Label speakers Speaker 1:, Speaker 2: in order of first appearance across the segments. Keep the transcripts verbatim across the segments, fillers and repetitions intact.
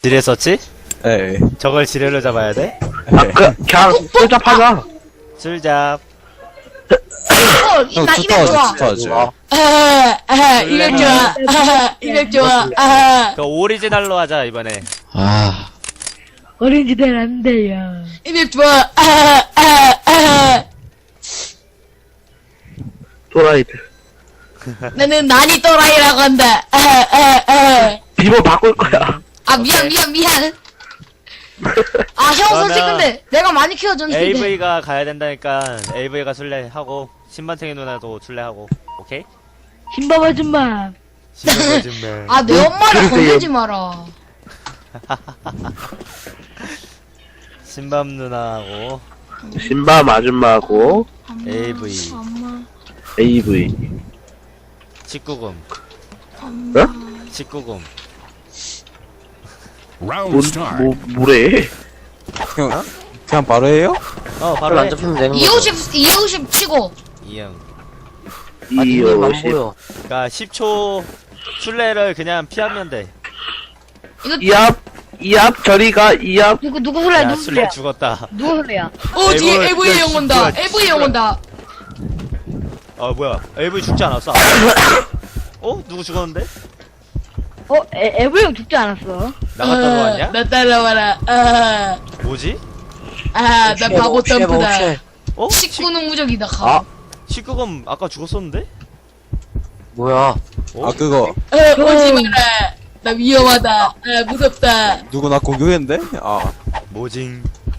Speaker 1: 지뢰 썼지?
Speaker 2: 예.
Speaker 1: 저걸 지뢰로 잡아야 돼?
Speaker 3: 아, 그, 그냥, 쫄잡 하자.
Speaker 1: 술잡.
Speaker 4: 어,
Speaker 2: 형,
Speaker 4: 나 이백 좋아.
Speaker 2: 투타워즈, 투타워즈.
Speaker 4: 아, 아, 이백 좋아. 아, 이백 좋아. 아,
Speaker 1: 그 오리지널로 하자 이번에.
Speaker 2: 아,
Speaker 5: 어린이들 안 돼요.
Speaker 4: 이백 좋아. 아, 아, 아.
Speaker 3: 또라이들.
Speaker 4: 나는 난이 또라이라고 한다. 아, 아, 아.
Speaker 3: 비번 바꿀 거야.
Speaker 4: 아, 미안, 미안, 미안. 아, 형, 솔직히
Speaker 1: 그러면
Speaker 4: 근데 내가 많이 키워줬는데.
Speaker 1: 에이브이가 가야 된다니까 에이브이가 술래하고 신반탱이 누나도 술래하고. 오케이?
Speaker 5: 신밥 아줌마.
Speaker 1: 신반 아줌마.
Speaker 4: 아, 내 엄마를
Speaker 3: 그러세요.
Speaker 4: 건들지 마라.
Speaker 1: 신밤 누나하고
Speaker 3: 신밤 아줌마하고,
Speaker 1: 에이브이
Speaker 3: 에이브이.
Speaker 1: 십구 금
Speaker 3: 어?
Speaker 1: 십구 금
Speaker 6: Round
Speaker 3: 뭔,
Speaker 6: start.
Speaker 3: 뭐, 뭐래?
Speaker 2: 형, 그냥 바로 해요?
Speaker 1: 어 바로 해.
Speaker 4: 이오십, 이오십 치고.
Speaker 1: 이형.
Speaker 3: 이오십.
Speaker 1: 그니까 십 초 술래를 그냥 피하면 돼.
Speaker 4: 이거,
Speaker 3: 이압, 이압, 저리가, 이압.
Speaker 5: 누구, 누구 소리야,
Speaker 1: 야
Speaker 5: 누구
Speaker 1: 술래
Speaker 5: 소리야?
Speaker 1: 죽었다.
Speaker 5: 누구 소리야?
Speaker 4: 어, 뒤에
Speaker 1: 에이브,
Speaker 4: 에이브이 형 온다.
Speaker 1: 뭐야,
Speaker 4: 에이브이 형 온다.
Speaker 1: 어 뭐야 에이브이 죽지 않았어? 어? 누구 죽었는데?
Speaker 5: 어, 에, 에브 형 죽지 않았어.
Speaker 1: 나갔다 들어왔냐?
Speaker 4: 나 따라와라. 아,
Speaker 1: 뭐지?
Speaker 4: 아, 나 바보 점프다.
Speaker 1: 어?
Speaker 4: 식구는 무적이다, 가.
Speaker 3: 아.
Speaker 1: 십구 금 아까 죽었었는데?
Speaker 2: 뭐야?
Speaker 1: 어?
Speaker 2: 아, 그거,
Speaker 4: 어, 오지 마라. 나 위험하다. 아, 무섭다.
Speaker 2: 누구 나 공격했는데? 아,
Speaker 1: 뭐징?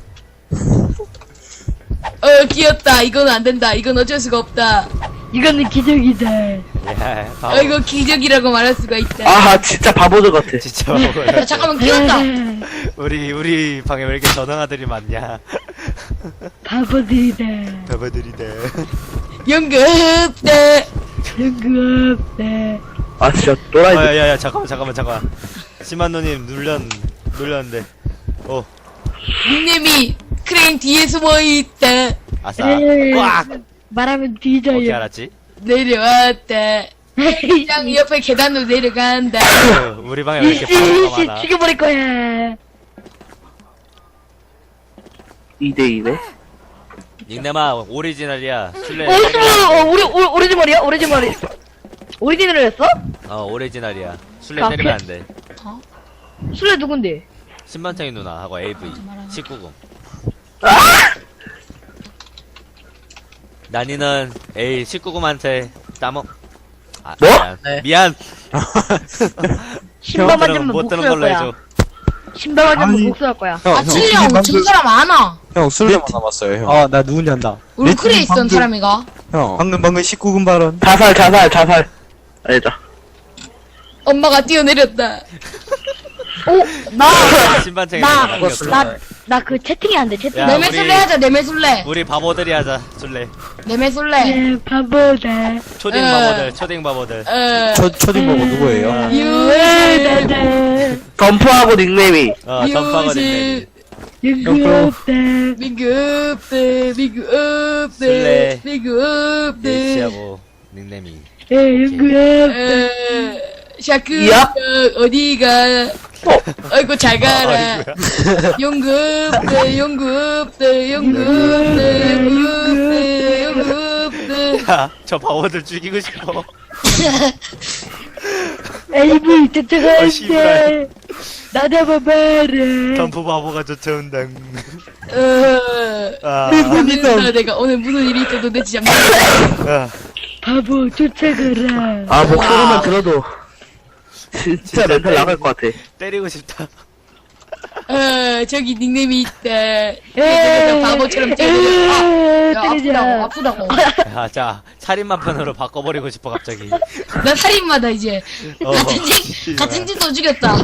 Speaker 4: 어, 귀엽다. 이건 안 된다. 이건 어쩔 수가 없다.
Speaker 5: 이거는 기적이다.
Speaker 1: 야 바보.
Speaker 4: 어, 이거 기적이라고 말할 수가 있다.
Speaker 3: 아, 진짜 바보들 같아.
Speaker 1: 진짜 바보야.
Speaker 4: 야, 잠깐만, 귀엽다.
Speaker 1: 우리 우리 방에 왜 이렇게 전화들이 많냐?
Speaker 5: 바보들이다.
Speaker 1: 바보들이다.
Speaker 4: 연극다.
Speaker 5: 연구 없다.
Speaker 3: 아, 진짜 또라이들.
Speaker 1: 어, 야야야 잠깐만 잠깐만 잠깐만. 심한누님 눌렸 눌렸는데. 어
Speaker 4: 닉네임이 크레인 뒤에 숨어 있다.
Speaker 1: 아싸.
Speaker 5: 에이.
Speaker 1: 꽉.
Speaker 5: 말하면
Speaker 1: 어떻게
Speaker 5: 뒤져요.
Speaker 1: 알았지?
Speaker 4: 내려왔다. 짱 옆에 계단으로 내려간다.
Speaker 1: 어, 우리 방에 왜 이렇게 바보가
Speaker 5: 이씨,
Speaker 1: 많아?
Speaker 5: 죽여버릴 거야.
Speaker 3: 이대이네.
Speaker 1: 닉네마 오리지널이야. 술래.
Speaker 5: 어, 술, 어, 우리, 우, 오리지머리야? 오리지머리. 오리지널을 했어?
Speaker 1: 어 오리지널이야. 술래
Speaker 5: 아,
Speaker 1: 때리면
Speaker 5: 그-
Speaker 1: 안 돼.
Speaker 5: 술래 누군데?
Speaker 1: 신반창이 누나하고 에이브이 십구 금. 난이는 에이 십구 금한테 따먹. 아,
Speaker 3: 뭐?
Speaker 1: 미안. 미안.
Speaker 5: 신발
Speaker 1: 못 들은-
Speaker 5: 맞으면
Speaker 1: 못 들은
Speaker 5: 목소할
Speaker 1: 걸로
Speaker 5: 거야.
Speaker 1: 해줘.
Speaker 5: 신발 맞으면
Speaker 2: 아니.
Speaker 5: 목소할 거야.
Speaker 2: 형,
Speaker 4: 아,
Speaker 2: 형,
Speaker 4: 칠령, 저 사람 안 와.
Speaker 2: 형, 술래만 남았어요, 형.
Speaker 7: 아, 나 누군지 안다.
Speaker 4: 울크레 있던 사람이가.
Speaker 2: 형,
Speaker 7: 방금 방금 십구 금 발언.
Speaker 3: 자살, 자살, 자살. 아니다.
Speaker 4: 엄마가 뛰어내렸다.
Speaker 5: 오, 나,
Speaker 1: 신반창이
Speaker 5: 나,
Speaker 1: 누나 남겼어.
Speaker 5: 나, 나 그 채팅이 안 돼, 채팅.
Speaker 1: 야,
Speaker 4: 내매
Speaker 1: 우리-
Speaker 4: 술래 하자, 내매 술래.
Speaker 1: 우리 바보들이 하자. 술래.
Speaker 4: 내매 술래.
Speaker 5: 네, 바보다.
Speaker 1: 초딩
Speaker 4: 에.
Speaker 1: 바보들. 초딩 바보들.
Speaker 4: 어,
Speaker 2: 초, 초딩 보고 누구예요?
Speaker 1: 아,
Speaker 4: 유십.
Speaker 5: 나다.
Speaker 3: 덤프하고 닉네임이.
Speaker 1: 어 덤파가
Speaker 4: 유십.
Speaker 1: 됐네.
Speaker 5: 연구 없다.
Speaker 4: 민구 없대, 민구 없대,
Speaker 1: 술래.
Speaker 4: 민구 없대.
Speaker 1: 네이치하고 닉네임이.
Speaker 5: 예, 연구 없다.
Speaker 4: 어, 샤크,
Speaker 3: 이야?
Speaker 4: 어디가? 아이고, 잘 가라.
Speaker 1: 아이고야.
Speaker 4: 용구 없대, 용구 없대, 용구 없대, 용구 없대, 용구 없대.
Speaker 1: 야, 저 바보들 죽이고 싶어.
Speaker 5: 에이브 쫓아갈
Speaker 1: 어, 씨발.
Speaker 5: 때. 나 잡아봐라.
Speaker 1: 덤프 바보가 쫓아온다.
Speaker 4: 어,
Speaker 1: 아,
Speaker 4: 모르겠다, 내가 오늘 무슨 일이 있어도 내 진짜 모르겠다.
Speaker 1: 아,
Speaker 5: 바보 쫓아가라.
Speaker 3: 아, 목소리만 들어도. 진짜 멘탈 나갈 것 같아.
Speaker 1: 때리고 싶다.
Speaker 4: 어, 저기 닉네임이 있다.
Speaker 5: 에이,
Speaker 4: 내가 바보처럼 뛰어내려. 아,
Speaker 5: 에이,
Speaker 4: 야,
Speaker 5: 때리자.
Speaker 4: 아프다고, 아프다고.
Speaker 1: 야, 자, 살인마 편으로 바꿔버리고 싶어, 갑자기.
Speaker 4: 나 살인마다, 이제.
Speaker 1: 어,
Speaker 4: 같은 집, 같은 집도 죽였다.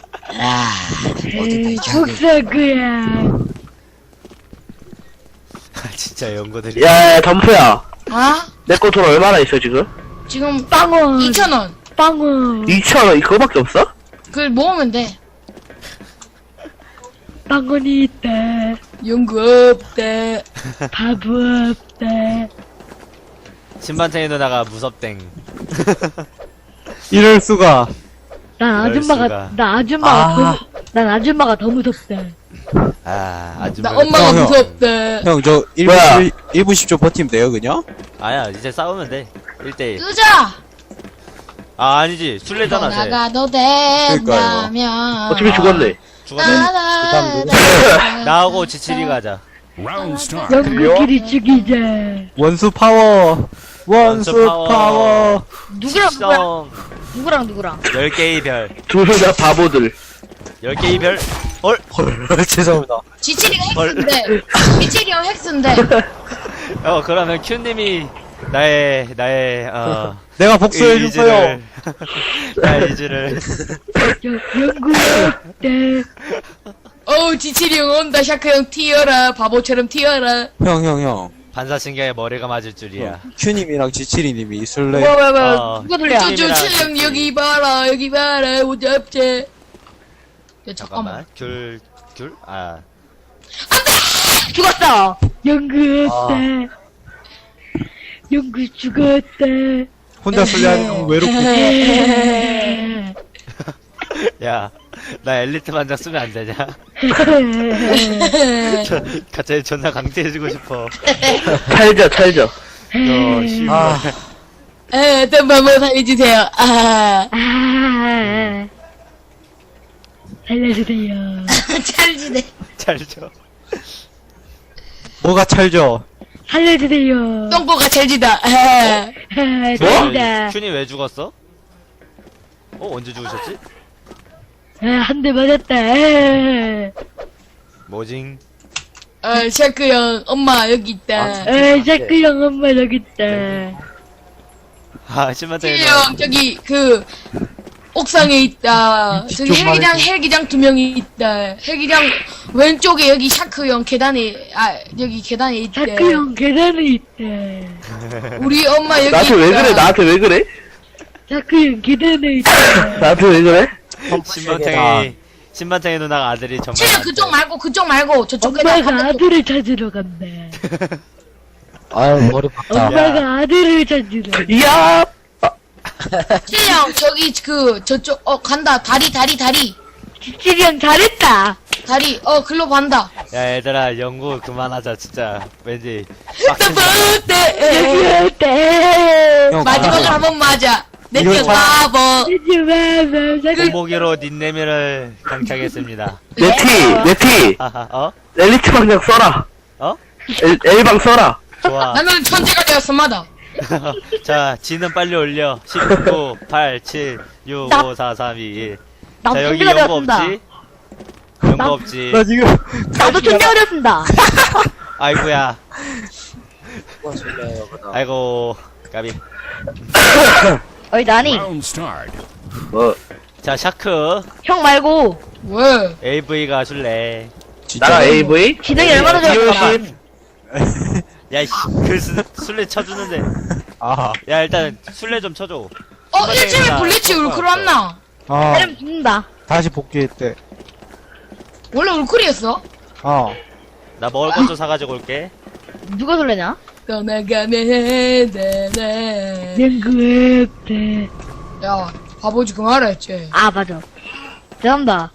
Speaker 5: 에이, 죽살 거야.
Speaker 1: 아, 진짜 연구들이.
Speaker 3: 야, 야, 덤프야.
Speaker 4: 아?
Speaker 3: 내 거 돈 얼마나 있어, 지금?
Speaker 4: 지금
Speaker 5: 빵원.
Speaker 4: 이천 원.
Speaker 5: 빵원.
Speaker 3: 이천 원, 그거밖에 없어?
Speaker 4: 그걸 모으면 돼.
Speaker 5: 빵원이 있다.
Speaker 4: 연구 없다.
Speaker 5: 바보 없다.
Speaker 1: 신반창이 누나가 무섭땡.
Speaker 7: 이럴 수가.
Speaker 5: 난
Speaker 1: 이럴
Speaker 5: 아줌마가,
Speaker 1: 수가.
Speaker 5: 나 아줌마가,
Speaker 2: 아.
Speaker 5: 그, 난 아줌마가 더 무섭다.
Speaker 1: 아 아주
Speaker 4: 나 엄마가
Speaker 2: 형, 형.
Speaker 4: 무섭다.
Speaker 2: 형, 저 일 분,
Speaker 3: 뭐야?
Speaker 2: 일 분 십 초 버티면 돼요, 그냥?
Speaker 1: 아야 이제 싸우면 돼 일 대일.
Speaker 4: 끄자.
Speaker 1: 아 아니지 술래잖아 쟤.
Speaker 4: 나가도 된다면.
Speaker 3: 어차피 죽었네.
Speaker 1: 죽었네.
Speaker 4: 나가다.
Speaker 1: 나하고 지칠이가 하자.
Speaker 6: Round start.
Speaker 5: 연구끼리 죽이자.
Speaker 7: 원수 파워. 원수
Speaker 1: 원수 파워.
Speaker 7: 파워.
Speaker 5: 누구랑 누구랑
Speaker 1: 성
Speaker 5: 누구랑 누구랑?
Speaker 1: 열 개의 별.
Speaker 3: 둘 다 바보들.
Speaker 1: 열 개의 별. 헐.
Speaker 2: 헐, 죄송합니다.
Speaker 4: 지칠이가 핵스인데. 지칠이 형 핵스인데.
Speaker 1: 어 그러면 큐님이 나의 나의 어
Speaker 7: 내가 복수해
Speaker 1: 의지를
Speaker 7: 주세요.
Speaker 1: 나의 의지를
Speaker 5: 연구했대.
Speaker 4: 어우, 지칠이 형 온다. 샤크 형 튀어라. 바보처럼 튀어라.
Speaker 2: 형, 형, 형.
Speaker 1: 반사신경에 머리가 맞을 줄이야.
Speaker 2: 큐님이랑 지칠이님이 술래.
Speaker 5: 뭐야 뭐야 뭐야.
Speaker 1: 어.
Speaker 5: 누가 돌려?
Speaker 4: 저, 저, 칠 형 여기 봐라. 여기 봐라. 오잡제. 야, 잠깐만.
Speaker 1: 잠깐만. 귤 귤? 아
Speaker 5: 죽었어. 연구했대. 연구 죽었대.
Speaker 7: 혼자 술래하는 건 외롭고.
Speaker 1: 야, 나 엘리트 반장 쓰면 안 되냐? 저, 갑자기 존나 강제해주고 싶어.
Speaker 3: 찰져, 찰져.
Speaker 1: 너, 씨.
Speaker 2: 아,
Speaker 4: 에, 어떤 방법 살려주세요. 아.
Speaker 5: 아, 살려주세요.
Speaker 4: 찰지네.
Speaker 1: 잘 줘.
Speaker 7: 뭐가 찰져?
Speaker 5: 살려주세요.
Speaker 4: 똥꼬가 찰지다. 아.
Speaker 5: 아,
Speaker 1: 큐니,
Speaker 5: 살린다.
Speaker 1: 큐니 왜 죽었어? 어, 언제 죽으셨지?
Speaker 5: 아, 한 대 맞았다. 아,
Speaker 1: 뭐징?
Speaker 4: 아, 샤크 형, 엄마 여기 있다.
Speaker 5: 아, 샤크 형 엄마 여기 있다.
Speaker 1: 아, 심한테.
Speaker 4: 칠 형, 저기, 그, 옥상에 있다. 저기 헬기장, 헬기장 두 명이 있다. 헬기장 왼쪽에 여기 샤크 형 계단에, 아, 여기 계단에 있다.
Speaker 5: 샤크 형 계단에 있다.
Speaker 4: 우리 엄마 여기
Speaker 3: 나한테 왜
Speaker 4: 있다.
Speaker 3: 그래? 나한테 왜 그래?
Speaker 5: 샤크 형 계단에 있다.
Speaker 3: 나한테 왜 그래?
Speaker 1: 신반탱이, 신반탱이 누나가 아들이 정말.
Speaker 4: 칠 형 그쪽 말고, 그쪽 말고, 저쪽
Speaker 5: 엄마가
Speaker 4: 계단.
Speaker 5: 아들을 찾으러 간다.
Speaker 2: 아유, 머리 박다.
Speaker 5: 엄마가 아들을 찾으러.
Speaker 3: 이야!
Speaker 4: 칠 형, 저기, 그, 저쪽, 어, 간다. 다리, 다리, 다리.
Speaker 5: 지칠이 형 잘했다.
Speaker 4: 다리, 어, 글로 간다.
Speaker 1: 야, 얘들아, 연구 그만하자, 진짜. 왠지.
Speaker 4: 네.
Speaker 5: 여기 있다.
Speaker 2: 형,
Speaker 4: 마지막으로 한 번 맞아. 내
Speaker 7: 이거
Speaker 4: 쪽 바보.
Speaker 5: 하지마, 샤크
Speaker 1: 공보기로 닌네미를 강착했습니다.
Speaker 3: 내 티, 내 티.
Speaker 1: 하하, 어?
Speaker 3: 엘리트 방장 써라.
Speaker 1: 어?
Speaker 3: 엘, L방 써라.
Speaker 1: 좋아.
Speaker 4: 나는 천재가 되었습니다.
Speaker 1: 자, 지는 빨리 올려. 십구, 팔, 칠, 육,
Speaker 5: 나-
Speaker 1: 오, 사, 삼, 이, 일.
Speaker 5: 나도
Speaker 1: 자, 여기
Speaker 5: 천재가
Speaker 1: 연구
Speaker 5: 되었습니다.
Speaker 1: 없지? 연구
Speaker 5: 나-
Speaker 1: 없지?
Speaker 7: 나 지금
Speaker 5: 나도 천재가 되었습니다.
Speaker 1: 아이고야. 아이고, 까비.
Speaker 5: 어이, 나니.
Speaker 6: Round start.
Speaker 3: 뭐,
Speaker 1: 자, 샤크.
Speaker 5: 형 말고,
Speaker 4: 왜?
Speaker 1: 에이브이가 술래.
Speaker 2: 진짜.
Speaker 3: 나랑 에이브이?
Speaker 5: 지능이 얼마나 좋았을까?
Speaker 3: 이오십?
Speaker 1: 야, 씨, 그 수- 술래 쳐주는데.
Speaker 7: 아,
Speaker 1: 야, 일단 술래 좀 쳐줘.
Speaker 4: 어, 일주일 블리치 울크로 왔나?
Speaker 7: 아,
Speaker 5: 사람 죽는다.
Speaker 7: 다시 복귀했대.
Speaker 4: 원래 울크리였어?
Speaker 7: 어.
Speaker 1: 나 먹을 것 좀 사가지고 올게.
Speaker 5: 누가 설레냐?
Speaker 4: 떠나가면 되네.
Speaker 5: 연구했대.
Speaker 4: 야, 바보지 그만하라 했지.
Speaker 5: 아, 맞아. 죄송합니다.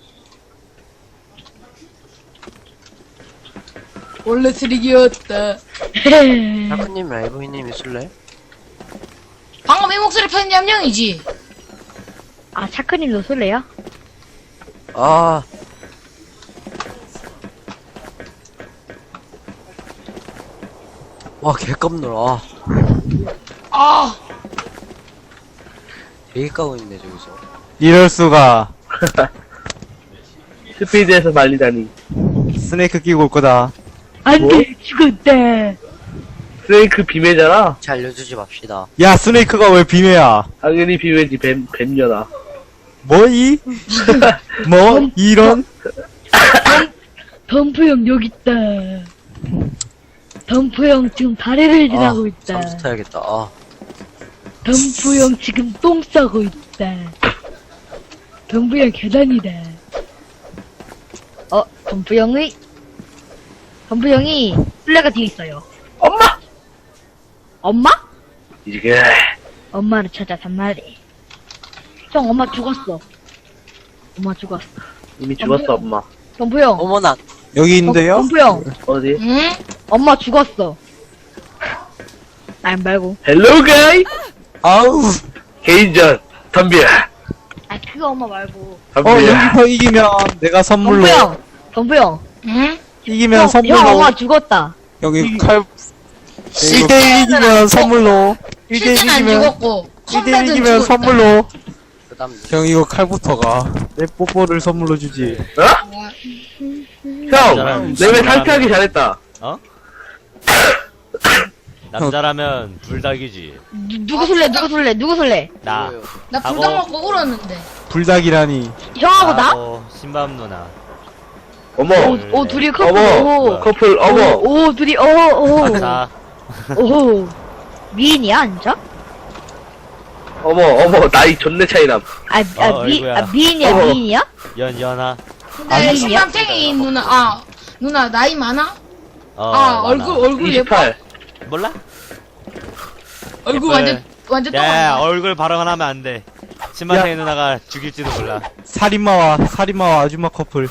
Speaker 4: 원래 쓰레기였다.
Speaker 8: 샤크님, 에이브이님이 술래?
Speaker 4: 방금 이 목소리 편지 함령이지?
Speaker 5: 아, 샤크님도 설레야?
Speaker 8: 아, 와, 개깜놀. 아,
Speaker 4: 아,
Speaker 8: 되게 까고 있네, 저기서.
Speaker 7: 이럴 수가.
Speaker 3: 스피드에서 말리다니.
Speaker 7: 스네이크 끼고 올 거다.
Speaker 5: 안
Speaker 3: 뭐?
Speaker 5: 돼, 죽었다.
Speaker 3: 스네이크 비매잖아?
Speaker 8: 잘 알려주지 맙시다.
Speaker 7: 야, 스네이크가 왜 비매야?
Speaker 3: 당연히 비매지, 뱀, 뱀녀다.
Speaker 7: 뭐이? 뭐? 이런?
Speaker 5: 덤프 형 여기 있다. 덤프 형 지금 다리를 지나고 있다.
Speaker 8: 잠수 타야겠다. 아,
Speaker 5: 덤프 형 지금 똥 싸고 있다. 덤프 형 계단이다. 어, 덤프 형의 덤프 형이 플레가 뒤에 있어요.
Speaker 3: 엄마!
Speaker 5: 엄마?
Speaker 3: 이게,
Speaker 5: 엄마를 찾아 단말이. 형 엄마 죽었어. 엄마 죽었어.
Speaker 3: 이미 죽었어, 엄마.
Speaker 5: 덤프 형.
Speaker 8: 어머나.
Speaker 2: 여기 있는데요?
Speaker 5: 덤프 형.
Speaker 3: 어디?
Speaker 4: 응?
Speaker 5: 엄마 죽었어. 안 말고.
Speaker 3: 헬로 가이!
Speaker 2: 아우.
Speaker 3: 개인전. 덤벼.
Speaker 5: 아, 그거 엄마 말고.
Speaker 2: 어,
Speaker 3: 덤벼.
Speaker 2: 여기서 이기면 내가 선물로.
Speaker 5: 덤프 형. 덤프 형.
Speaker 4: 응?
Speaker 2: 이기면
Speaker 5: 형,
Speaker 2: 선물로.
Speaker 5: 형 엄마 죽었다.
Speaker 2: 여기 칼. 일 대1 이기면 선물로. 일 대1
Speaker 4: 실제는 안
Speaker 2: 이기면.
Speaker 4: 죽었고
Speaker 2: 일 대1
Speaker 4: 컴뱃은
Speaker 2: 이기면
Speaker 4: 죽었다.
Speaker 2: 선물로.
Speaker 8: 그 다음.
Speaker 2: 형 이거 칼부터가. 내 뽀뽀를 선물로 주지.
Speaker 3: 어? 형! 내왜 탈퇴하기 잘했다.
Speaker 1: 어? 남자라면 불닭이지.
Speaker 5: 누, 누구 술래? 누구 술래? 누구 술래?
Speaker 1: 나.
Speaker 8: 뭐예요?
Speaker 4: 나
Speaker 1: 하고.
Speaker 4: 불닭 먹고 울었는데.
Speaker 2: 불닭이라니.
Speaker 5: 형하고 나?
Speaker 1: 하고 신밤 누나.
Speaker 3: 어머.
Speaker 5: 오, 오 둘이 커플.
Speaker 3: 어머.
Speaker 5: 오.
Speaker 3: 커플, 어머.
Speaker 5: 오, 오 둘이 오, 오.
Speaker 1: 박사.
Speaker 5: 오. 미인이야, 앉아?
Speaker 3: 어머, 어머. 나이 존내 차이남.
Speaker 5: 아, 아,
Speaker 1: 어,
Speaker 5: 미,
Speaker 1: 아이고야.
Speaker 5: 아 미인이야,
Speaker 3: 어머.
Speaker 5: 미인이야?
Speaker 1: 연 연하.
Speaker 4: 근데
Speaker 5: 아니야?
Speaker 4: 신남탱이 누나 아 누나 나이 많아?
Speaker 1: 어,
Speaker 4: 아
Speaker 1: 많아.
Speaker 4: 얼굴 얼굴 예뻐?
Speaker 3: 이십팔.
Speaker 1: 몰라?
Speaker 4: 얼굴
Speaker 1: 예뻐요.
Speaker 4: 완전 완전
Speaker 1: 야,
Speaker 4: 똥.
Speaker 1: 얼굴 발언하면 안 돼. 신마탱이 누나가 죽일지도 몰라.
Speaker 7: 살인마와 살인마와 아줌마 커플.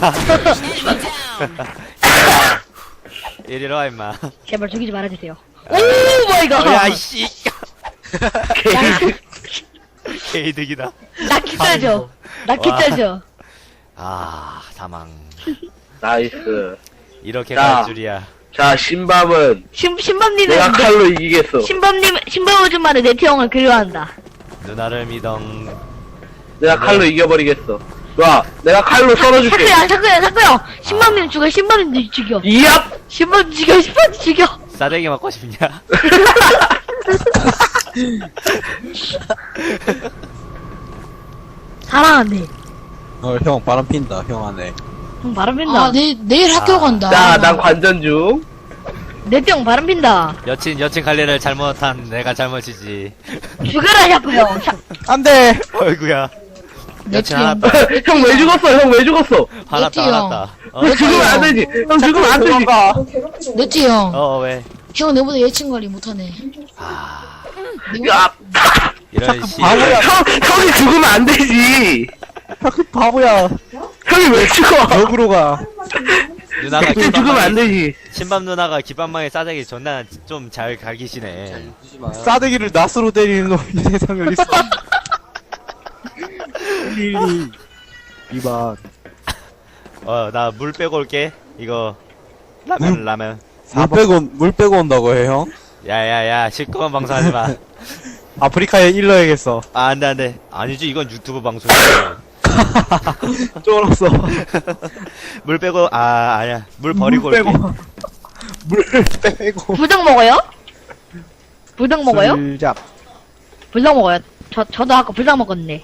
Speaker 1: 이리로 와 임마.
Speaker 5: 제발 죽이지 말아주세요. 오 마이 갓.
Speaker 1: 어, 야 이씨. 개이득이다.
Speaker 5: 나 기짜죠. 나 기짜죠.
Speaker 1: 아 사망.
Speaker 3: 나이스.
Speaker 1: 이렇게
Speaker 3: 자.
Speaker 1: 갈 줄이야.
Speaker 3: 자, 신밤은
Speaker 5: 신 신범님은
Speaker 3: 내가
Speaker 5: 내-
Speaker 3: 칼로 이기겠어.
Speaker 5: 신범님 신범 아줌마는 네티 형을 그리워한다.
Speaker 1: 누나를 믿엉.
Speaker 3: 내가 칼로 이겨버리겠어. 와, 내가 칼로 썰어줄게.
Speaker 5: 사크야 사크야 사크야. 신범님 죽여 신범님 죽여.
Speaker 3: 이압!
Speaker 5: 신범 죽여 신범 죽여.
Speaker 1: 싸대기 맞고 싶냐?
Speaker 5: 사랑하네.
Speaker 2: 어, 형 바람 핀다. 형 안에.
Speaker 5: 형 바람 핀다.
Speaker 4: 아 내, 내일 학교
Speaker 1: 아.
Speaker 4: 간다.
Speaker 3: 자, 난 관전 중.
Speaker 5: 네티 형 바람 핀다.
Speaker 1: 여친 여친 관리를 잘못한 내가 잘못이지.
Speaker 5: 죽여라 샤프 형. 샤-
Speaker 2: 안돼.
Speaker 1: 어이구야.
Speaker 4: 내
Speaker 1: 여친
Speaker 4: 팀.
Speaker 1: 화났다.
Speaker 3: 형 왜 죽었어? 형 왜 죽었어?
Speaker 1: 화났다
Speaker 4: 여친이요.
Speaker 1: 화났다. 어,
Speaker 3: 형 죽으면 안 되지. 형 죽으면 안 되지.
Speaker 4: 네티 형.
Speaker 1: 어 왜?
Speaker 4: 형 내보다 예친 관리 못하네.
Speaker 1: 아
Speaker 3: 야,
Speaker 1: 이런 씨.
Speaker 2: 바보야.
Speaker 3: 형, 형이 죽으면 안 되지.
Speaker 2: 그 바보야.
Speaker 3: 형이 왜 죽어?
Speaker 2: 역으로 가.
Speaker 1: 누나가
Speaker 3: 형이 죽으면 안 되지.
Speaker 1: 신밤 누나가 기반망에 싸대기 존나 좀 잘 갈기시네.
Speaker 8: 웃지 마요.
Speaker 2: 싸대기를 낫으로 때리는 놈이 세상에 어딨어. 일일이. 이번.
Speaker 1: 어 나 물 빼고 올게. 이거 라면 라면.
Speaker 2: 물 빼고, 물 빼고 온다고 해, 형?
Speaker 1: 야야야 시끄러운 방송하지 마.
Speaker 7: 아프리카에 일러야겠어.
Speaker 1: 아 안돼 안돼. 아니지 이건 유튜브 방송이야.
Speaker 7: 쫄았어.
Speaker 1: 물 빼고 아 아니야 물 버리고
Speaker 7: 물
Speaker 1: 올게.
Speaker 7: 빼고. 물 빼고.
Speaker 5: 불닭 먹어요? 불닭 먹어요?
Speaker 7: 술잡.
Speaker 5: 불닭 먹어요. 저 저도 아까 불닭 먹었네.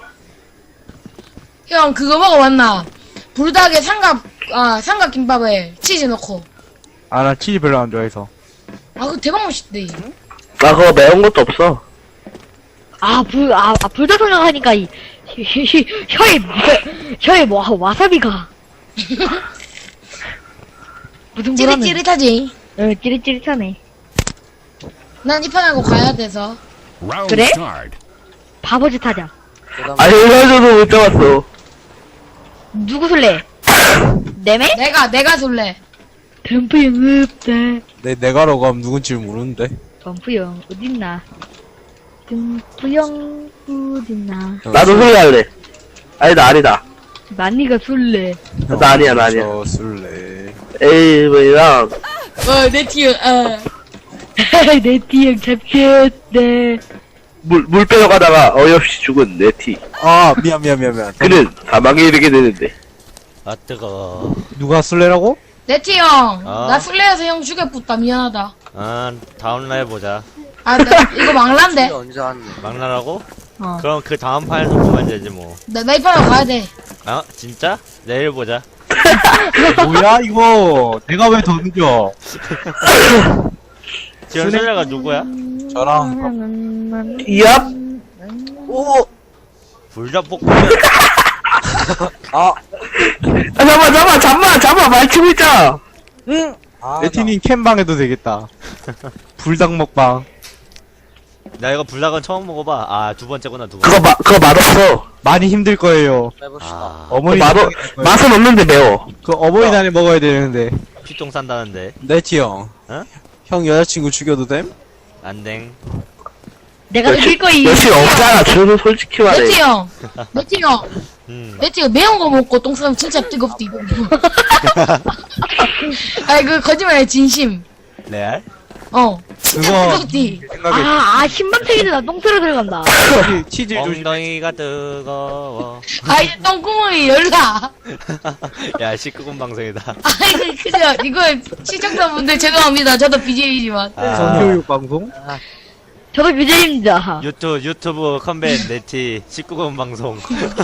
Speaker 4: 형 그거 먹어봤나? 불닭에 삼각 아 삼각 김밥에 치즈 넣고.
Speaker 7: 아, 나 치즈 별로 안 좋아해서.
Speaker 4: 아 그거 대박 맛있대.
Speaker 3: 나 그거 매운 것도 없어.
Speaker 5: 아, 불, 아, 아 불닭 생각하니까, 이, 혀, 혀, 혀에, 혀, 혀에 뭐, 와사비가. 무슨 불하네.
Speaker 4: 찌릿찌릿하지.
Speaker 5: 어, 찌릿찌릿하네.
Speaker 4: 난 이 판하고 가야 돼서.
Speaker 5: 그래? 바보짓 하자.
Speaker 8: 그 다음.
Speaker 3: 아니, 얼마전도 못 잡았어.
Speaker 5: 누구 술래? 내매?
Speaker 4: 내가 내가 술래.
Speaker 5: 덤프 형 없다.
Speaker 2: 내, 내가라고 하면 누군지 모르는데.
Speaker 5: 덤프 형 어딨나? 덤프 형 어딨나?
Speaker 3: 나도 술래 할래. 아니다, 아니다.
Speaker 5: 만니가 술래.
Speaker 3: 나 아니야, 나 아니야.
Speaker 2: 저 술래.
Speaker 3: 에이, 뭐야.
Speaker 4: 어내 팀. 어.
Speaker 5: 내 뒤형 잡혔다.
Speaker 3: 물, 물 빼러가다가 어이없이 죽은 네티.
Speaker 2: 아, 미안, 미안, 미안, 미안.
Speaker 3: 그는 사망에 이르게 되는데.
Speaker 1: 아 뜨거.
Speaker 7: 누가 술래라고?
Speaker 4: 네티 형.
Speaker 1: 어?
Speaker 4: 나 술래여서 형 죽여붙다 미안하다.
Speaker 1: 아 다음 날 보자.
Speaker 4: 아 나, 이거 막란데.
Speaker 8: 진짜 언제 왔네.
Speaker 1: 막나라고?
Speaker 4: 어.
Speaker 1: 그럼 그 다음 판에서 보면 되지 뭐.
Speaker 4: 나, 나 이 판하고 가야 돼.
Speaker 1: 아 진짜? 내일 보자.
Speaker 7: 뭐야, 이거. 내가 왜 더 늦어?
Speaker 1: 지금 술래가 누구야?
Speaker 2: 저랑.
Speaker 3: 이압?
Speaker 2: 오!
Speaker 1: 불닭볶음면.
Speaker 2: 아,
Speaker 3: 아, 잠깐만, 잠깐만, 잠깐만, 잠깐만, 말 치고 있잖아.
Speaker 2: 아,
Speaker 7: 레티님 캠방 해도 되겠다. 불닭 먹방.
Speaker 1: 나 이거 불닭은 처음 먹어봐. 아, 두 번째구나, 두
Speaker 2: 그거
Speaker 1: 번째.
Speaker 2: 마, 그거 맛없어.
Speaker 7: 많이 힘들 거예요.
Speaker 8: 빼봅시다.
Speaker 1: 아,
Speaker 7: 어머니
Speaker 2: 맛,
Speaker 7: 생각이 날 거예요.
Speaker 2: 맛은 없는데 매워.
Speaker 7: 그 어버이날에 먹어야 되는데.
Speaker 1: 피똥 싼다는데.
Speaker 7: 네티 형.
Speaker 1: 어?
Speaker 7: 형 여자친구 죽여도 됨?
Speaker 1: 안댕.
Speaker 5: 내가
Speaker 2: 역시-
Speaker 5: 이길 거이.
Speaker 2: 역시 없잖아. 저도 솔직히 말해.
Speaker 4: 네티 형, 네티 형,
Speaker 1: 음.
Speaker 4: 네티 형 매운 거 먹고 똥 싸면 진짜 뜨겁디 이거. 아니 그 거짓말이야 진심.
Speaker 1: 레알?
Speaker 4: 어, 진짜
Speaker 7: 그거
Speaker 4: 뜨겁디.
Speaker 7: 생각에
Speaker 5: 아, 아, 신방책이다. 나 똥 틀어 들어간다.
Speaker 7: 치즈, 치즈 조심.
Speaker 1: 엉덩이가 뜨거워.
Speaker 4: 아이 똥구멍이 열나.
Speaker 1: 야, 십구 금 방송이다.
Speaker 4: 아이 그 그죠 이거 시청자분들 죄송합니다. 저도 비제이지만.
Speaker 1: 아,
Speaker 7: 성교육 방송?
Speaker 5: 저도 비제이입니다.
Speaker 1: 유튜브, 유튜브 컴백 네티 십구 금 방송.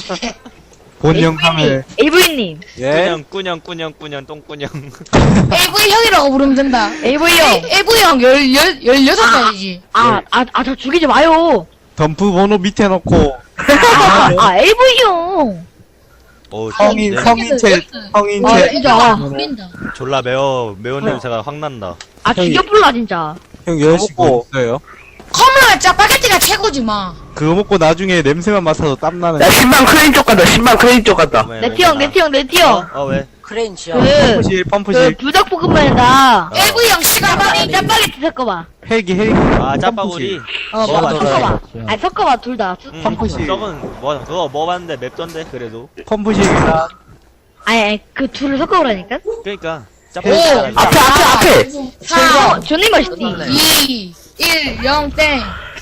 Speaker 7: 본 영상을.
Speaker 5: 에이브이님.
Speaker 7: 예?
Speaker 1: 꾸녕, 꾸녕, 꾸녕, 꾸녕, 똥꾸녕.
Speaker 4: 에이브이 형이라고 부르면 된다.
Speaker 5: 에이브이 형.
Speaker 4: 에이브이 형 열, 열, 열여섯 살이지.
Speaker 5: 아, 아, 아, 저 죽이지 마요.
Speaker 7: 덤프 번호 밑에 넣고.
Speaker 5: 아, 아, 에이브이 형.
Speaker 1: 오,
Speaker 7: 성인,
Speaker 1: 냄-
Speaker 7: 성인체,
Speaker 5: 아,
Speaker 7: 성인체.
Speaker 5: 진짜.
Speaker 4: 풀린다.
Speaker 1: 졸라 매워. 매운 냄새가 확 난다.
Speaker 5: 아, 죽여불라, 진짜.
Speaker 7: 형 여자친구 있어요?
Speaker 4: 컵라면 짜파게티가 최고지 마.
Speaker 7: 그거 먹고 나중에 냄새만 맡아서 땀나는.
Speaker 2: 야, 신방 크레인 쪽 간다. 신방 크레인 쪽 간다.
Speaker 1: 왜,
Speaker 5: 네티
Speaker 1: 왜
Speaker 5: 형,
Speaker 1: 나-
Speaker 5: 네티 형, 네티
Speaker 1: 어?
Speaker 5: 형.
Speaker 1: 어, 왜?
Speaker 8: 크레인치야.
Speaker 5: 그,
Speaker 7: 펌프실,
Speaker 5: 그,
Speaker 7: 펌프실.
Speaker 5: 불닭볶음면에다
Speaker 4: 에이브이 형 시가방이
Speaker 5: 짜파게티 섞어봐.
Speaker 7: 헬기, 헬기.
Speaker 1: 아, 짜파구리.
Speaker 5: 어,
Speaker 1: 뭐
Speaker 5: 뭐,
Speaker 1: 맞아.
Speaker 5: 섞어봐. 아니, 섞어봐, 둘 다.
Speaker 1: 음,
Speaker 7: 펌프실.
Speaker 1: 썩은, 뭐, 그거 먹어봤는데 맵던데, 그래도.
Speaker 7: 펌프실이다.
Speaker 5: 아니, 아니, 그 둘을 섞어보라니까?
Speaker 1: 그니까.
Speaker 4: 오,
Speaker 1: 짜파구리.
Speaker 2: 앞에, 앞에, 앞에.
Speaker 4: 사,
Speaker 5: 어, 존나 맛있지?
Speaker 4: 이, 일, 영, 땡.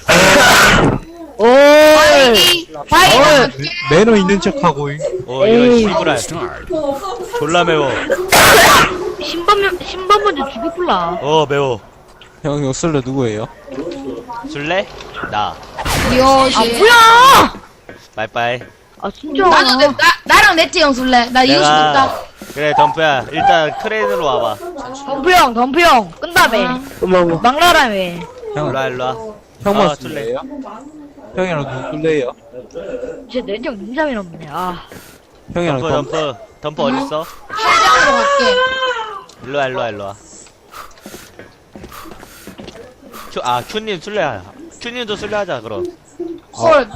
Speaker 5: 오,
Speaker 4: 바이기, 바이기.
Speaker 7: 매너 있는 척하고.
Speaker 1: 어, 이거
Speaker 5: 에이.
Speaker 1: 씨부랄. 졸라 매워.
Speaker 5: 신번, 신번 먼저 죽여불라.
Speaker 1: 어, 매워.
Speaker 7: 형, 요 술래 누구예요?
Speaker 1: 줄래? 나.
Speaker 5: 아,
Speaker 4: 요시.
Speaker 5: 뭐야!
Speaker 1: 빠이빠이.
Speaker 5: 아, 진짜.
Speaker 4: 나도, 내, 나, 나랑 네티 형 술래. 나 이거 싶다.
Speaker 1: 그래, 덤프야. 일단 크레인으로 와봐.
Speaker 5: 덤프 형, 덤프 형. 끈다며.
Speaker 2: 어머,
Speaker 5: 막나라며.
Speaker 7: 형,
Speaker 1: 일로와, 일로와.
Speaker 7: 형만
Speaker 1: 아,
Speaker 7: 술래예요? 형이랑 누구 술래예요?
Speaker 5: 진짜 내정 눈잡이 없네. 아.
Speaker 7: 형이랑
Speaker 1: 덤프,
Speaker 7: 덤프.
Speaker 1: 덤프. 덤프 어딨어?
Speaker 4: 현장으로 갈게.
Speaker 1: 일로와, 일로와, 일로와. 큐, 아, 큐님 술래야. 큐님도 술래하자, 그럼.
Speaker 4: 헐.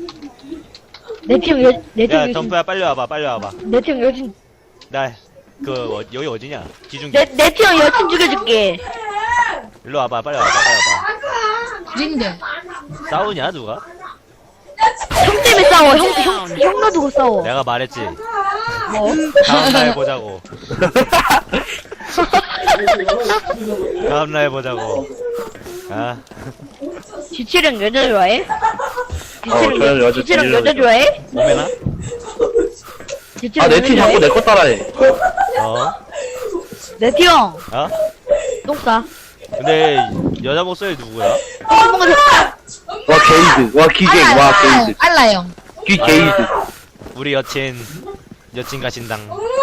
Speaker 5: 내티 형, 여, 내티 형
Speaker 1: 야,
Speaker 5: 여진,
Speaker 1: 덤프야, 빨리 와봐, 빨리 와봐.
Speaker 5: 내티 형 여진,
Speaker 1: 나, 그, 어, 여기 어디냐? 기준기.
Speaker 5: 내, 내티 형 여친 죽여줄게.
Speaker 1: 일로 와봐, 빨리 와봐, 빨리 와봐.
Speaker 4: 어딘데?
Speaker 1: 싸우냐, 누가?
Speaker 5: 형 때문에 싸워. 형, 형, 형 놔두고 싸워.
Speaker 1: 내가 말했지.
Speaker 5: 뭐?
Speaker 1: 다음날 보자고. 다음날 보자고. 아,
Speaker 5: 지칠형 여자 좋아해?
Speaker 2: 어, 저는 여자
Speaker 5: 지칠형 여자
Speaker 2: 좋아해요.
Speaker 5: 좋아해?
Speaker 1: 오메나?
Speaker 5: 지칠형
Speaker 2: 아, 내
Speaker 5: 여자
Speaker 2: 팀 자꾸
Speaker 5: 좋아해?
Speaker 2: 내 거 따라해.
Speaker 1: 어?
Speaker 5: 내티 형,
Speaker 1: 어?
Speaker 5: 똥 싸.
Speaker 1: 근데, 여자 목소리 누구야?
Speaker 5: 똥 먹어서
Speaker 2: 와, 게이드. 와, 기갱.
Speaker 4: 알라,
Speaker 2: 와,
Speaker 4: 알라,
Speaker 2: 게이드.
Speaker 4: 알라 형.
Speaker 2: 귀 게이드.
Speaker 1: 우리 여친, 여친 가신당.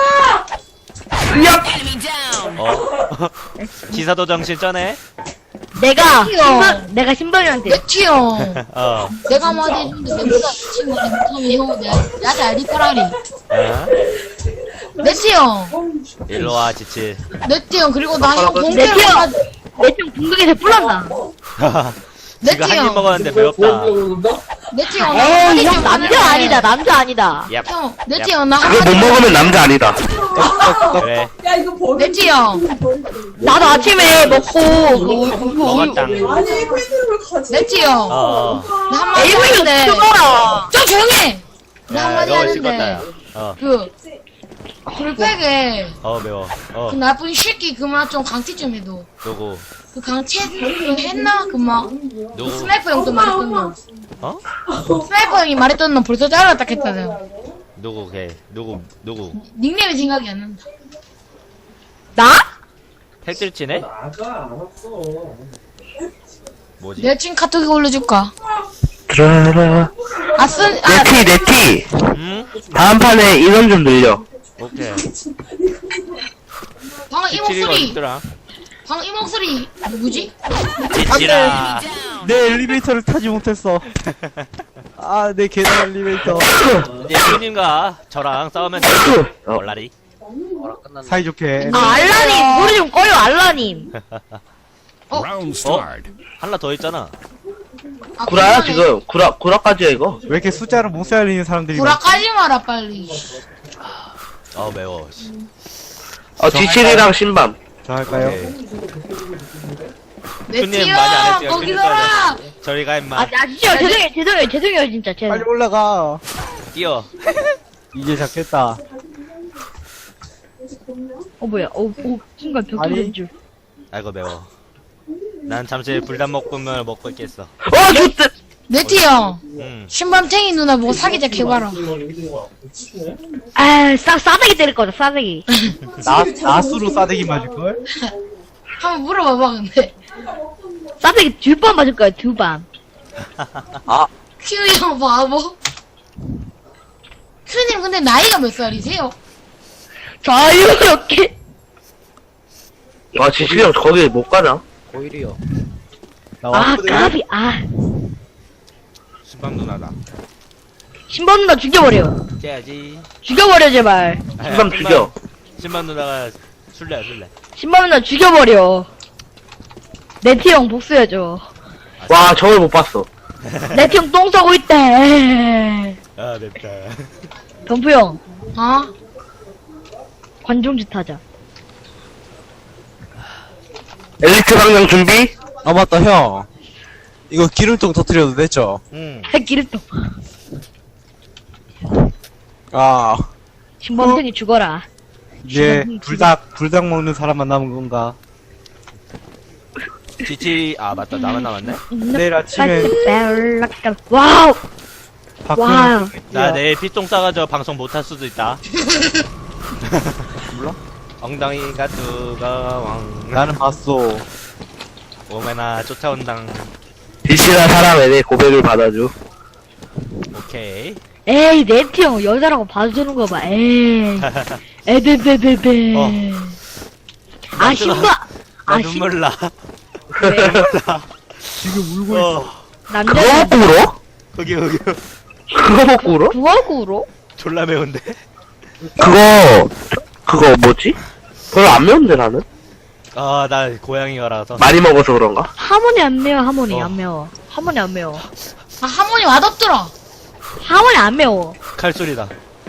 Speaker 1: 어? 기사도 정신 쩌네?
Speaker 5: 내가,
Speaker 4: 귀여워.
Speaker 5: 신발, 내가 신발이한테.
Speaker 4: 네티 형.
Speaker 1: 어.
Speaker 4: 내가 한마디 해준데 내보다 친구 못하면 형 내, 나한테 알리 파라리.
Speaker 1: 어?
Speaker 4: 네티 형.
Speaker 1: 일로와, 지칠.
Speaker 4: 네티 형 그리고 나 형
Speaker 5: 네티
Speaker 4: 동태로
Speaker 5: 형, 내티 형 붕괴에서 뿔난다.
Speaker 1: 지금 한 입
Speaker 4: 형.
Speaker 1: 먹었는데 매웠다.
Speaker 4: 네티 형.
Speaker 5: 에이, 형 남자 아니다, 남자 아니다.
Speaker 1: 얍.
Speaker 4: 형, 네티 형, 나
Speaker 2: 그거 못
Speaker 4: 한마디.
Speaker 2: 먹으면 남자 아니다.
Speaker 1: 그래.
Speaker 4: 네티 형.
Speaker 5: 나도 아침에 먹고, 그,
Speaker 1: 먹었당.
Speaker 4: 네티 형.
Speaker 1: 어, 어.
Speaker 4: 나 한마디
Speaker 5: 에이브이 형
Speaker 4: 했는데.
Speaker 5: 죽어라.
Speaker 4: 좀 조용해! 나
Speaker 1: 야,
Speaker 4: 한마디
Speaker 1: 너무 씹었다, 야.
Speaker 4: 하는데.
Speaker 1: 어,
Speaker 4: 그, 불백에
Speaker 1: 어, 매워. 어,
Speaker 4: 그 나쁜 새끼 그만 좀 강퇴 좀 해도.
Speaker 1: 누구?
Speaker 4: 그 강퇴 그 했나? 그 막.
Speaker 1: 누구?
Speaker 4: 스나이퍼 형도 말했던 놈.
Speaker 1: 어?
Speaker 4: 스나이퍼 형이 말했던 놈 벌써 잘랐다 했거든.
Speaker 1: 누구, 걔? 누구, 누구?
Speaker 4: 닉네임이 생각이 안 난다.
Speaker 5: 나?
Speaker 1: 핵질치네? 뭐지?
Speaker 4: 내 친 카톡에 올려줄까?
Speaker 2: 드라라.
Speaker 4: 아, 쓴, 아,
Speaker 2: 네티, 네티.
Speaker 1: 응?
Speaker 2: 다음 판에 인원 좀 늘려.
Speaker 1: 오케이.
Speaker 4: 방금 이
Speaker 1: 지칠이가
Speaker 4: 목소리,
Speaker 1: 어딨더라?
Speaker 4: 방금 이 목소리, 누구지?
Speaker 1: 지칠아.
Speaker 7: 내 엘리베이터를 타지 못했어. 아, 내 계단 엘리베이터.
Speaker 1: 이제 큐님과 저랑 싸우면 돼.
Speaker 2: 어.
Speaker 1: 얼라리.
Speaker 8: 뭐라 끝났나?
Speaker 7: 사이좋게.
Speaker 5: 아, 알라님, 노래 좀 꺼요, 알라님.
Speaker 1: 어? 한라 더 있잖아.
Speaker 4: 아,
Speaker 3: 구라야,
Speaker 4: 그만해.
Speaker 3: 지금. 구라, 구라까지야, 이거.
Speaker 7: 왜 이렇게 숫자를 못 살리는 사람들이
Speaker 4: 구라
Speaker 7: 많지?
Speaker 4: 까지 마라 빨리.
Speaker 1: 아 매워. 씨.
Speaker 3: 어, 지칠이랑 신밤.
Speaker 7: 저 할까요?
Speaker 1: 오케이.
Speaker 4: 내
Speaker 1: 손님
Speaker 4: 티어
Speaker 1: 많이 안 했어요.
Speaker 4: 거기서라.
Speaker 1: 저리가 임마.
Speaker 5: 아, 아 진짜 죄송해요 죄송해요 죄송해요 진짜 죄송.
Speaker 7: 빨리 올라가.
Speaker 1: 뛰어.
Speaker 7: 이제 잡겠다.
Speaker 5: 어 뭐야? 어, 어 순간 벽
Speaker 7: 아니.
Speaker 5: 뚫린 줄.
Speaker 1: 아이고 매워. 난 잠시 불닭볶음면을 먹고 있겠어.
Speaker 3: 어, 좋대!
Speaker 4: 내 티어.
Speaker 1: 음.
Speaker 4: 신밤탱이 누나 뭐 사기자 개봐라.
Speaker 5: 아, 싸 싸대기 때릴 거다 싸대기.
Speaker 7: 나, 나수로 싸대기 맞을걸?
Speaker 4: 한번 물어봐봐 근데.
Speaker 5: 싸대기 두 번 맞을 거야 두 번.
Speaker 4: 큐 형 바보. 큐님 근데 나이가 몇 살이세요?
Speaker 5: 자유롭게.
Speaker 3: 아, 지칠이 형 거기 못 가나?
Speaker 8: 고일이요.
Speaker 7: 나
Speaker 5: 아
Speaker 7: 왔거든.
Speaker 5: 까비 아.
Speaker 1: 수박 누나다.
Speaker 5: 신발 누나 죽여버려.
Speaker 1: 째야지.
Speaker 5: 죽여버려 제발.
Speaker 3: 신밤 죽여.
Speaker 1: 신발 누나가 술래야 술래.
Speaker 5: 신발 누나 죽여버려. 네티형 복수해줘.
Speaker 3: 와, 저걸 못 봤어.
Speaker 5: 네티형 똥 싸고 있대.
Speaker 1: 아 맵다.
Speaker 5: 덤프 형
Speaker 4: 어?
Speaker 5: 관종짓 하자.
Speaker 3: 엘리트 방향 준비?
Speaker 2: 아 맞다 형 이거 기름통 터뜨려도 됐죠?
Speaker 1: 응.
Speaker 5: 기름통.
Speaker 2: 아
Speaker 5: 신범탱이 죽어라.
Speaker 7: 이제
Speaker 5: 죽어.
Speaker 7: 불닭 불닭 먹는 사람만 남은 건가?
Speaker 1: 지치 아 맞다 나만 남았네.
Speaker 7: 내일 아침에
Speaker 5: 와우
Speaker 7: 박근혜
Speaker 5: 와우.
Speaker 1: 나 내일 피똥 싸가지고 방송 못 할 수도 있다. 몰라? 엉덩이가 뜨거왕.
Speaker 7: 나는 봤어.
Speaker 1: 오메나 쫓아온당.
Speaker 3: 지칠한 사람에 내 고백을 받아줘.
Speaker 1: 오케이.
Speaker 5: 에이 네티형 여자라고 봐주는 거 봐. 에이 에베베베베.
Speaker 1: 어.
Speaker 5: 아 신발.
Speaker 1: 나
Speaker 5: 아
Speaker 1: 눈물 나.
Speaker 5: 왜?
Speaker 7: 지금 울고 있어.
Speaker 1: 어.
Speaker 5: 남자
Speaker 3: 그거 먹고 울어?
Speaker 1: 거기 거기.
Speaker 3: 그거 먹고 울어?
Speaker 5: 부하구로?
Speaker 1: 졸라 매운데.
Speaker 3: 그거, 그거 뭐지? 별로 안 매운데, 나는?
Speaker 1: 아 나 고양이가라서.
Speaker 3: 많이 먹어서 그런가?
Speaker 5: 하모니 안 매워 하모니
Speaker 1: 어.
Speaker 5: 안 매워. 하모니 안 매워.
Speaker 4: 아 하모니 맛없더라.
Speaker 5: 하모니 안 매워.
Speaker 1: 칼소리다.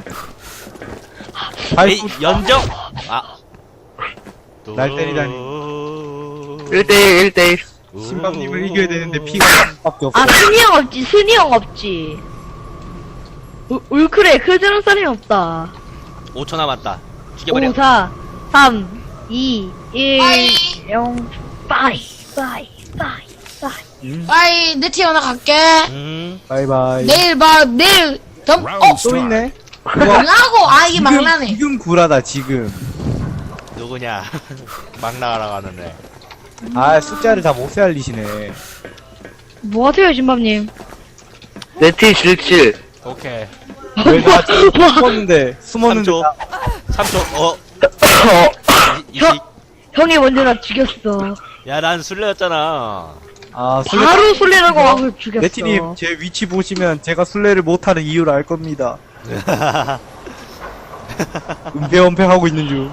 Speaker 7: 아이
Speaker 1: 에이 연정. 아.
Speaker 7: 날 때리다니.
Speaker 3: 일 대일, 일 대일.
Speaker 7: 신방님을 이겨야 되는데 피가 밖에 없어.
Speaker 5: 아 순이 형 없지 순이 형 없지. 울, 울크레 크즈는 사람이 없다.
Speaker 1: 오 초 남았다. 죽여버려.
Speaker 5: 오, 사, 삼, 이, 일,
Speaker 4: 빠이.
Speaker 5: 영, 빠이, 빠이, 빠이, 빠이.
Speaker 4: 빠이 내 티어 나 갈게.
Speaker 1: 음.
Speaker 7: 바이바이.
Speaker 4: 내일 봐 내일 덤. 어?
Speaker 7: 또 있네.
Speaker 4: 망하고 아 이게 망나네.
Speaker 7: 지금 구라다 지금.
Speaker 1: 누구냐? 막 나가라 가는데.
Speaker 7: 아 숫자를 다 못 살리시네.
Speaker 5: 뭐 하세요 진밤님?
Speaker 3: 네티 질질.
Speaker 1: 오케이.
Speaker 7: 왜나 숨었는데 숨었는데
Speaker 1: 삼 초.
Speaker 7: 나-
Speaker 1: 삼 초. 어.
Speaker 3: 어,
Speaker 1: 이, 이,
Speaker 5: 형, 형이 먼저 나 죽였어.
Speaker 1: 야, 난 술래였잖아.
Speaker 7: 아 술래.
Speaker 5: 바로 술래라고 하고 죽였어.
Speaker 7: 네티님 제 위치 보시면 제가 술래를 못하는 이유를 알 겁니다. 은폐은폐하고 있는 중.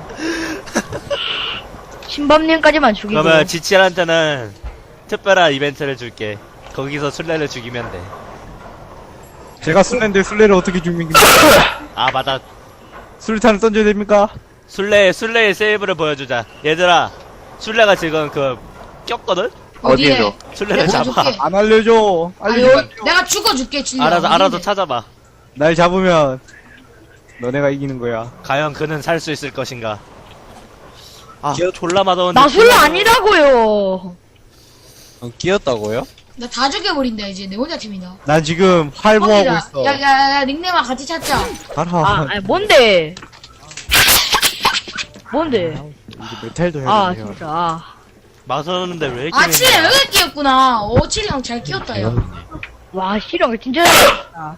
Speaker 5: 신밤님까지만 죽이고.
Speaker 1: 그러면 지치한테는 특별한 이벤트를 줄게. 거기서 술래를 죽이면 돼.
Speaker 7: 제가 술래인데 술래를 어떻게 죽입니까?
Speaker 1: 아, 맞아.
Speaker 7: 술탄을 던져야 됩니까?
Speaker 1: 술래, 술래의 세이브를 보여주자. 얘들아, 술래가 지금 그, 꼈거든?
Speaker 4: 어디에?
Speaker 3: 어디에서?
Speaker 1: 술래를
Speaker 4: 내가
Speaker 1: 잡아.
Speaker 4: 줄게.
Speaker 7: 안 알려줘.
Speaker 4: 아,
Speaker 7: 알려줘.
Speaker 4: 여, 내가 죽어줄게 진짜.
Speaker 1: 알아서, 알아서 찾아봐.
Speaker 7: 날 잡으면 너네가 이기는 거야.
Speaker 1: 과연 그는 살 수 있을 것인가? 아,
Speaker 2: 기어-
Speaker 1: 졸라 맛없는데.
Speaker 5: 나 술래 아니라고요.
Speaker 2: 어, 끼었다고요?
Speaker 4: 나 다 죽여버린다 이제 내 혼자 팀이다.
Speaker 7: 난 지금 활보하고
Speaker 4: 뻥이다.
Speaker 7: 있어.
Speaker 4: 야야야 닉네임아 같이 찾자.
Speaker 7: 가라.
Speaker 5: 아, 아니, 뭔데? 뭔데?
Speaker 7: 이제 메탈도 해야
Speaker 5: 아,
Speaker 7: 돼요.
Speaker 5: 진짜. 아.
Speaker 1: 맛없는데 왜 이렇게.
Speaker 4: 아 칠이
Speaker 1: 맵냐?
Speaker 4: 여기 끼었구나. 오 칠이 형 잘 끼웠다 야.
Speaker 5: 와, 실형 진짜 잘했다.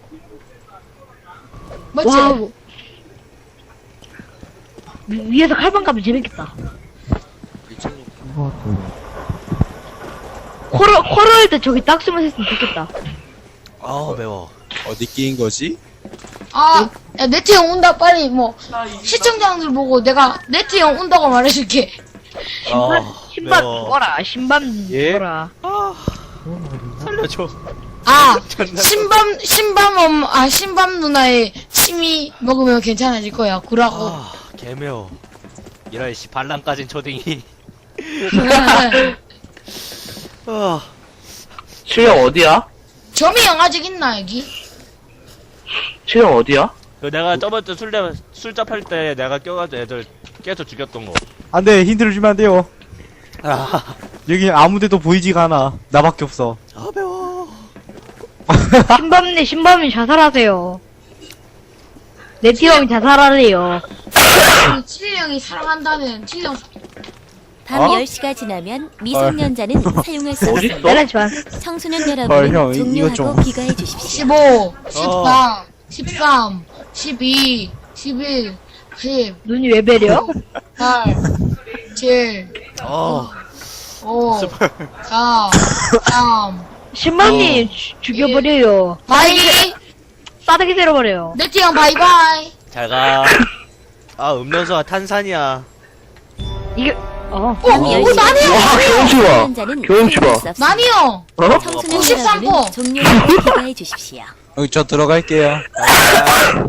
Speaker 4: 맞지?
Speaker 5: 와우. 위- 위에서 칼방 가면 재밌겠다. 코럴, 코럴 때 저기 딱 숨어 있으면 좋겠다.
Speaker 1: 아우, 매워.
Speaker 2: 어디 끼인 거지?
Speaker 4: 아, 야, 네트 형 온다. 빨리 뭐 시청자들 보고 내가 네트 형 온다고 말해줄게.
Speaker 5: 신발,
Speaker 1: 아,
Speaker 5: 신발
Speaker 1: 매워.
Speaker 5: 죽어라. 신발
Speaker 7: 예?
Speaker 5: 죽어라.
Speaker 1: 살려줘.
Speaker 4: 아,
Speaker 1: 존나
Speaker 4: 신밤, 신밤 엄, 아, 신밤 누나의 침이 먹으면 괜찮아질 거야. 구라고.
Speaker 1: 아, 개매워. 이런 씨 반란 까진 초딩이. 아,
Speaker 3: 실력 어디야?
Speaker 4: 점이 영아직 있나, 여기?
Speaker 3: 실력 어디야?
Speaker 1: 그 내가 저번 주 술래 술잡 할 때 내가 껴가지고 애들 깨서 죽였던 거.
Speaker 7: 안돼 힌트를 주면 안 돼요.
Speaker 1: 아,
Speaker 7: 여기 아무데도 보이지가 않아. 나밖에 없어.
Speaker 1: 아 매워.
Speaker 5: 신밤님, 신밤님 자살하세요. 네티형이 자살하래요.
Speaker 4: 칠령이 사랑한다는 칠령.
Speaker 6: 밤
Speaker 1: 어?
Speaker 6: 열 시가 지나면 미성년자는 사용할 수 없습니다.
Speaker 5: 내려지만.
Speaker 6: 청소년
Speaker 7: 헐,
Speaker 6: 여러분은
Speaker 7: 형, 이- 이거
Speaker 6: 종료하고
Speaker 7: 좀.
Speaker 6: 귀가해 주십시오.
Speaker 4: 십오, 십사, 십삼, 십이, 십일, 십,
Speaker 5: 눈이 왜 베려?
Speaker 4: 팔, 칠,
Speaker 1: 어,
Speaker 4: 오,
Speaker 1: 스물.
Speaker 4: 사, 삼.
Speaker 5: 신밤님 주- 죽여버려요.
Speaker 4: 바이.
Speaker 5: 싸대기 때려버려요.
Speaker 4: 네티형 바이바이.
Speaker 1: 잘 가. 아, 음료수와 탄산이야.
Speaker 5: 이게, 어.
Speaker 6: 밤
Speaker 4: 오,
Speaker 6: 열
Speaker 4: 오,
Speaker 6: 시가
Speaker 4: 나네요.
Speaker 6: 지나면
Speaker 3: 교수가.
Speaker 6: 미성년자는
Speaker 3: 교수가.
Speaker 6: 사용할 수 없습니다.
Speaker 4: 나니요.
Speaker 3: 어?
Speaker 6: 청소년
Speaker 4: 오십삼 호.
Speaker 6: 여러분은 종료하고 귀가해 주십시오.
Speaker 2: 여기 저 들어갈게요.